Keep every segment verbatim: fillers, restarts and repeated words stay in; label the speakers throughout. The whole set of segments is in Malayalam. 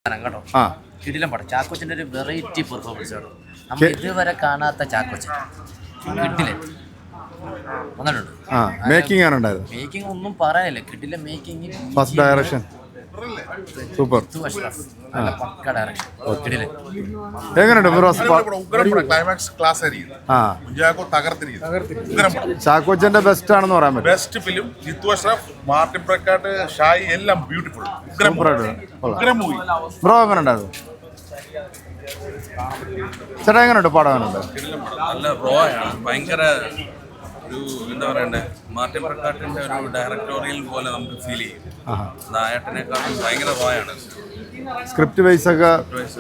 Speaker 1: കേട്ടോ. കിടിലം പടം. ചാക്കോച്ചൻ്റെ ഒരു വെറൈറ്റി പെർഫോമൻസ് ആണ്. നമ്മൾ ഇതുവരെ കാണാത്ത ചാക്കോച്ചൻ കിട്ടില്ല വന്നിട്ടുണ്ട്.
Speaker 2: മേക്കിംഗ് ആണ് ഉണ്ടായത്.
Speaker 1: മേക്കിംഗ് ഒന്നും പറയാനില്ല. കിട്ടില്ല മേക്കിംഗ്.
Speaker 2: First direction super.
Speaker 1: പക്ക ഡയറക്ഷൻ. കിടില.
Speaker 2: എങ്ങനെയുണ്ട്
Speaker 3: ക്ലൈമാക്സ് ക്ലാസ് ആയിരിക്കും.
Speaker 2: ചാക്കോച്ചന്റെ ബെസ്റ്റ് ആണെന്ന് പറയാൻ പറ്റും.
Speaker 3: Best film. ജിത്തു അഷ്റഫ്, മാർട്ടിൻ പ്രക്കാട്ട്, ഷായി എല്ലാം ബ്യൂട്ടിഫുൾ.
Speaker 2: ബ്രോ എങ്ങനെ ഉണ്ടായിരുന്നു? ചേട്ടാ എങ്ങനെയുണ്ട് പടം? എങ്ങനെയുണ്ട്?
Speaker 4: നല്ല റോ ആണ്. ഭയങ്കര ഒരു എന്താ പറയണ്ടേ, മാർട്ടിൻ പ്രക്കാട്ടിന്റെ ഒരു ഡയറക്ടോറിയൽ പോലെ നമുക്ക് ഫീൽ ചെയ്യും. നായട്ടനെക്കാളും ഭയങ്കര റോ ആണ്.
Speaker 2: സ്ക്രിപ്റ്റ് വൈസ് ഒക്കെ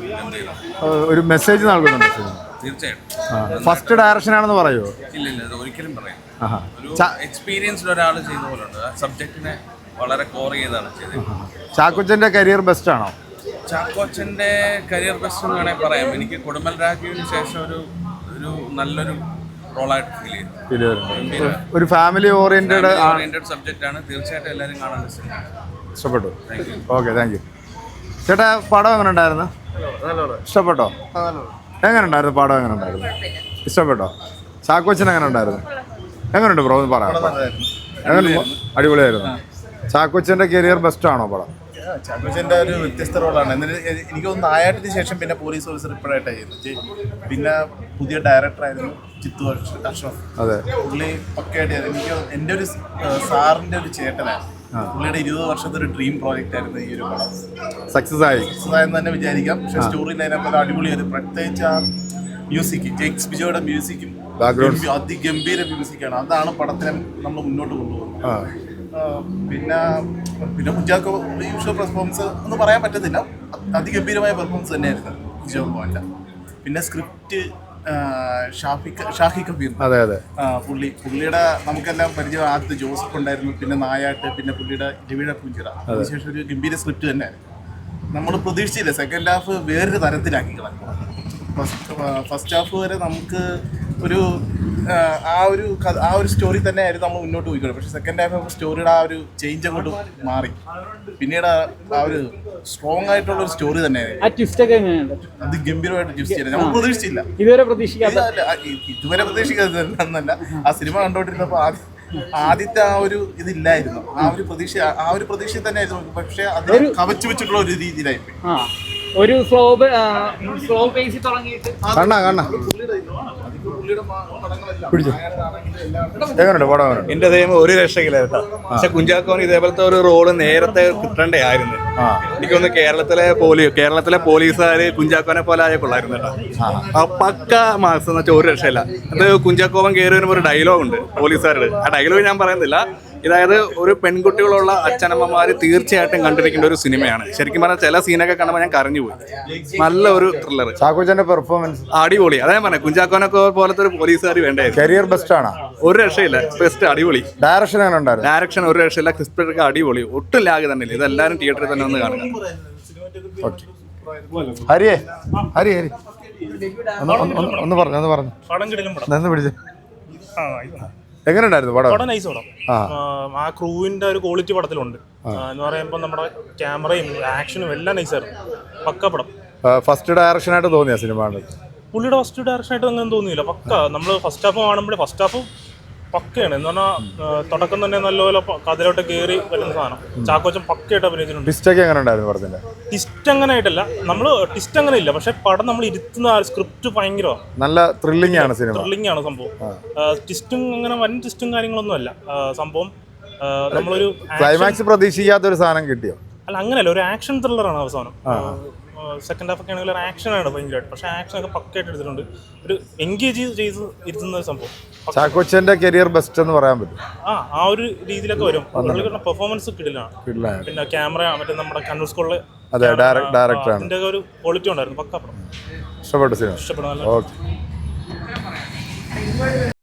Speaker 2: ഒരു മെസ്സേജ് നൽകുന്നുണ്ട്
Speaker 4: തീർച്ചയായിട്ടും.
Speaker 2: ഫസ്റ്റ് ഡയറക്ഷൻ ആണെന്ന് പറയുമോ?
Speaker 4: ഇല്ല ഇല്ല, അത് ഒരിക്കലും പറയാം. ഒരു എക്സ്പീരിയൻസ്ഡ് ഒരാൾ ചെയ്ത പോലെ ഉണ്ട്. ആ സബ്ജക്റ്റിനെ വളരെ കോർ ചെയ്താണ് ചെയ്തത്.
Speaker 2: ചാക്കോച്ചന്റെ കരിയർ ബെസ്റ്റ് ആണോ?
Speaker 4: ചാക്കോച്ചന്റെ കരിയർ ബെസ്റ്റ് എന്ന് വേണമെങ്കിൽ പറയാം. എനിക്ക് കൊടുമൽ രാജുവിന് ശേഷം ഒരു ഒരു നല്ലൊരു റോളായിട്ട് ഫീൽ ചെയ്തു.
Speaker 2: ഒരു ഫാമിലി ഓറിയന്റഡ്
Speaker 4: ഓറിയന്റഡ് സബ്ജക്റ്റ് ആണ്. തീർച്ചയായിട്ടും എല്ലാവരും കാണാൻ
Speaker 2: ഇഷ്ടപ്പെട്ടു. Okay, thank you. ചേട്ടാ പടം എങ്ങനെ ഉണ്ടായിരുന്നു? ഇഷ്ടപ്പെട്ടോ? എങ്ങനെ ഉണ്ടായിരുന്നു പടം? എങ്ങനെ ഉണ്ടായിരുന്നു? ഇഷ്ടപ്പെട്ടോ? ചാക്കോച്ചൻ എങ്ങനെ ഉണ്ടായിരുന്നു? എങ്ങനെയുണ്ട് ബ്രോ? ഒന്ന് പറയാം. എങ്ങനെ? അടിപൊളിയായിരുന്നു. ചാക്കോച്ചന്റെ കരിയർ ബെസ്റ്റ് ആണോ പടം?
Speaker 3: ചാക്കോച്ചൻ്റെ ഒരു വ്യത്യസ്ത റോളാണ്. എന്നിട്ട് എനിക്ക് തോന്നുന്നു നായാട്ടിന് ശേഷം പിന്നെ പോലീസ് ഓഫീസർ ഇപ്പോഴായിട്ടാണ് ചെയ്യുന്നത്. പിന്നെ പുതിയ ഡയറക്ടറായിരുന്നു ജിത്തു അഷ്റഫ്.
Speaker 2: അതെ,
Speaker 3: പുള്ളി പക്കയായിട്ട് എനിക്ക് എൻ്റെ ഒരു സാറിൻ്റെ ഒരു ചേട്ടനാണ്. പുള്ളിയുടെ ഇരുപത് വർഷത്തെ ഒരു ഡ്രീം പ്രോജക്റ്റ് ആയിരുന്നു ഈ ഒരു പടം.
Speaker 2: സക്സസ് ആയി
Speaker 3: സക്സസ് ആയെന്ന് തന്നെ വിചാരിക്കാം. പക്ഷേ സ്റ്റോറി ലൈനപ്പോൾ അടിപൊളിയായിരുന്നു. പ്രത്യേകിച്ച് ആ മ്യൂസിക്, ജെയ്ക്സ് ബിജോയുടെ മ്യൂസിക്കും അതിഗംഭീര മ്യൂസിക്കാണ്. അതാണ് പടത്തിനെ നമ്മൾ മുന്നോട്ട് കൊണ്ടുപോകുന്നത്. പിന്നെ പിന്നെ കുഞ്ചാക്കോ യൂഷ്വൽ പെർഫോമൻസ് ഒന്നും പറയാൻ പറ്റത്തില്ല. അതിഗംഭീരമായ പെർഫോമൻസ് തന്നെയായിരുന്നു കുഞ്ചാക്കോ മോൻ്റെ. പിന്നെ സ്ക്രിപ്റ്റ് ഷാഫിക്ക് ഷാഹി കബീർ.
Speaker 2: അതെ അതെ
Speaker 3: പുള്ളി പുള്ളിയുടെ നമുക്കെല്ലാം പരിചയം. ആദ്യത്തെ ജോസഫ് ഉണ്ടായിരുന്നു, പിന്നെ നായാട്ട്, പിന്നെ പുള്ളിയുടെ രവിയുടെ പൂഞ്ചിറ. അതിനുശേഷം ഒരു ഗംഭീര സ്ക്രിപ്റ്റ് തന്നെയായിരുന്നു. നമ്മൾ പ്രതീക്ഷിച്ചില്ല. സെക്കൻഡ് ഹാഫ് വേറൊരു തരത്തിലാക്കി കളഞ്ഞു. ഫസ്റ്റ് ഫസ്റ്റ് ഹാഫ് വരെ നമുക്ക് ഒരു ആ ഒരു ആ ഒരു സ്റ്റോറി തന്നെ ആയിരുന്നു നമ്മൾ മുന്നോട്ട് പോയിക്കോട്ടെ. പക്ഷേ സെക്കൻഡ് ഹാഫ് ആകുമ്പോൾ സ്റ്റോറിയുടെ ആ ഒരു ചേഞ്ച് അങ്ങോട്ട് മാറി. പിന്നീട് ആ ഒരു സ്ട്രോങ് ആയിട്ടുള്ള ഒരു സ്റ്റോറി തന്നെയായിരുന്നു. അത് ഗംഭീരമായിട്ട് ട്വിസ്റ്റ് ചെയ്തത് നമ്മൾ പ്രതീക്ഷിച്ചില്ല. ഇതുവരെ പ്രതീക്ഷിക്കാതെ ഇതുവരെ പ്രതീക്ഷിക്കാതെന്നല്ല, ആ സിനിമ കണ്ടോണ്ടിരുന്നപ്പോൾ ആദ്യം ആദ്യത്തെ ആ ഒരു ഇതില്ലായിരുന്നു. ആ ഒരു പ്രതീക്ഷ ആ ഒരു പ്രതീക്ഷ തന്നെ ആയിരുന്നു. പക്ഷെ അത് കവച്ചു വെച്ചിട്ടുള്ള ഒരു രീതിയിലായിപ്പോയി.
Speaker 5: ഒരു സ്ലോ സ്ലോ പേസിൽ തുടങ്ങിയിട്ട്
Speaker 6: എന്റെ ദൈവം ഒരു രക്ഷയില്ല കേട്ടോ. പക്ഷെ കുഞ്ചാക്കോന് ഇതേപോലത്തെ ഒരു റോള് നേരത്തെ കിട്ടണ്ടേ ആയിരുന്നു. എനിക്കൊന്ന് കേരളത്തിലെ പോലീ കേരളത്തിലെ പോലീസുകാര് കുഞ്ചാക്കോനെ പോലെ ആയ കൊള്ളായിരുന്നു കേട്ടോ. പക്ക മാർക്സ് എന്ന് വെച്ചാൽ ഒരു രക്ഷയില്ല. അത് കുഞ്ചാക്കോവൻ കയറി വരുമ്പോൾ ഒരു ഡയലോഗ് ഉണ്ട് പോലീസുകാരുടെ. ആ ഡയലോഗ് ഞാൻ പറയുന്നില്ല. ഇതായത് ഒരു പെൺകുട്ടികളുള്ള അച്ഛനമ്മമാർ തീർച്ചയായിട്ടും കണ്ടിരിക്കേണ്ട ഒരു സിനിമയാണ്. ശരിക്കും പറഞ്ഞാൽ ചില സീനൊക്കെ കാണുമ്പോൾ ഞാൻ കരഞ്ഞു പോയി. നല്ല ഒരു ത്രില്ലർ.
Speaker 2: ചാക്കോച്ചന്റെ പെർഫോമൻസ്
Speaker 6: അടിപൊളി. അതേ പറഞ്ഞ കുഞ്ചാക്കോനൊക്കെ പോലത്തെ ഒരു പോലീസുകാർ വേണ്ടേ.
Speaker 2: കരിയർ ബെസ്റ്റ് ആണ്.
Speaker 6: ഒരു രക്ഷയില്ല. ബെസ്റ്റ്. അടിപൊളി.
Speaker 2: ഡയറക്ഷൻ എങ്ങനെ ഉണ്ടായിരുന്നു?
Speaker 6: ഡയറക്ഷൻ ഒരു രക്ഷയില്ല. ക്രിസ്പൊക്കെ അടിപൊളി. ഒട്ടും ലാഗ് തന്നെ ഇല്ല. ഇതെല്ലാവരും തിയേറ്ററിൽ തന്നെ ഒന്ന് കാണുക.
Speaker 2: ഹരിയേ ഹരി ഹരി ഒന്ന് പറഞ്ഞു ഒന്ന് പറഞ്ഞു നിന്ന് പിടിച്ച്. എങ്ങനെ ഉണ്ടായിരുന്നു പടം?
Speaker 7: പടം നൈസ് പടം. ആ ക്രൂവിന്റെ ഒരു ക്വാളിറ്റി പടത്തിലുണ്ട് എന്ന് പറയുമ്പോൾ നമ്മുടെ ക്യാമറയും ആക്ഷനും എല്ലാം നൈസായിരുന്നു. പക്ക പടം.
Speaker 2: ഫസ്റ്റ് ഡയറക്ഷൻ ആയിട്ട് തോന്നിയ സിനിമ?
Speaker 7: പുള്ളിയുടെ ഫസ്റ്റ് ഡയറക്ഷൻ ആയിട്ട് അങ്ങനെ തോന്നിയില്ല. പക്ക നമ്മൾ ഫസ്റ്റ് ഹാഫ് കാണുമ്പോഴേ ഫസ്റ്റ് ഹാഫ് പക്കയാണ്. എന്ന് പറഞ്ഞാൽ തുടക്കം തന്നെ നല്ലപോലെ കഥയിലോട്ട് കയറി വരുന്ന സാധനം. ചാക്കോച്ചൻ പക്കയായിട്ട് അഭിനയിച്ചിട്ടുണ്ട്.
Speaker 2: ടിസ്റ്റൊക്കെ എങ്ങനെ ഉണ്ടായിരുന്നു പടത്തിന്റെ?
Speaker 7: ടിസ്റ്റ് അങ്ങനെ ആയിട്ടല്ല, നമ്മൾ ടിസ്റ്റ് അങ്ങനെ ഇല്ല. പക്ഷെ പടം നമ്മൾ ഇരുത്തുന്ന സ്ക്രിപ്റ്റ് ഭയങ്കരമാണ്.
Speaker 2: നല്ല ത്രില്ലിംഗ് ആണ് സിനിമ.
Speaker 7: ത്രില്ലിംഗ് ആണ് സംഭവം. ടിസ്റ്റും അങ്ങനെ വൻ ടിസ്റ്റും കാര്യങ്ങളൊന്നും അല്ല സംഭവം. നമ്മളൊരു
Speaker 2: ക്ലൈമാക്സ് പ്രതീക്ഷിക്കാത്ത ഒരു സാധനം കിട്ടിയോ?
Speaker 7: അല്ല അങ്ങനെയല്ല, ഒരു ആക്ഷൻ ത്രില്ലറാണ് അവസാനം. സെക്കൻഡ് ഹാഫ് ഒക്കെ ആണെങ്കിൽ ഒരു ആക്ഷനാണ് ഭയങ്കരമായിട്ട്. പക്ഷെ ആക്ഷൻ ഒക്കെ പക്കയായിട്ട് എടുത്തിട്ടുണ്ട്. ഒരു എൻഗേജ് ചെയ്ത് ഇരുത്തുന്ന ഒരു സംഭവം.
Speaker 2: ചാക്കോച്ചന്റെ കരിയർ ബെസ്റ്റ് എന്ന് പറയാൻ പറ്റും.
Speaker 7: ആ ആ ഒരു രീതിയിലൊക്കെ വരും. പെർഫോമൻസ് കിടിലാണ്. പിന്നെ ക്യാമറ മറ്റേ നമ്മുടെ കണ്ണൂർ സ്കൂളിലെ
Speaker 2: ഡയറക്ടറാണ്.
Speaker 7: അതിന്റെ ഒരു ക്വാളിറ്റി ഉണ്ടായിരുന്നു. പക്ക പടം.
Speaker 2: ഇഷ്ടപ്പെട്ടു സിനിമ?
Speaker 7: ഇഷ്ടപ്പെടുന്ന.
Speaker 2: ഓക്കെ.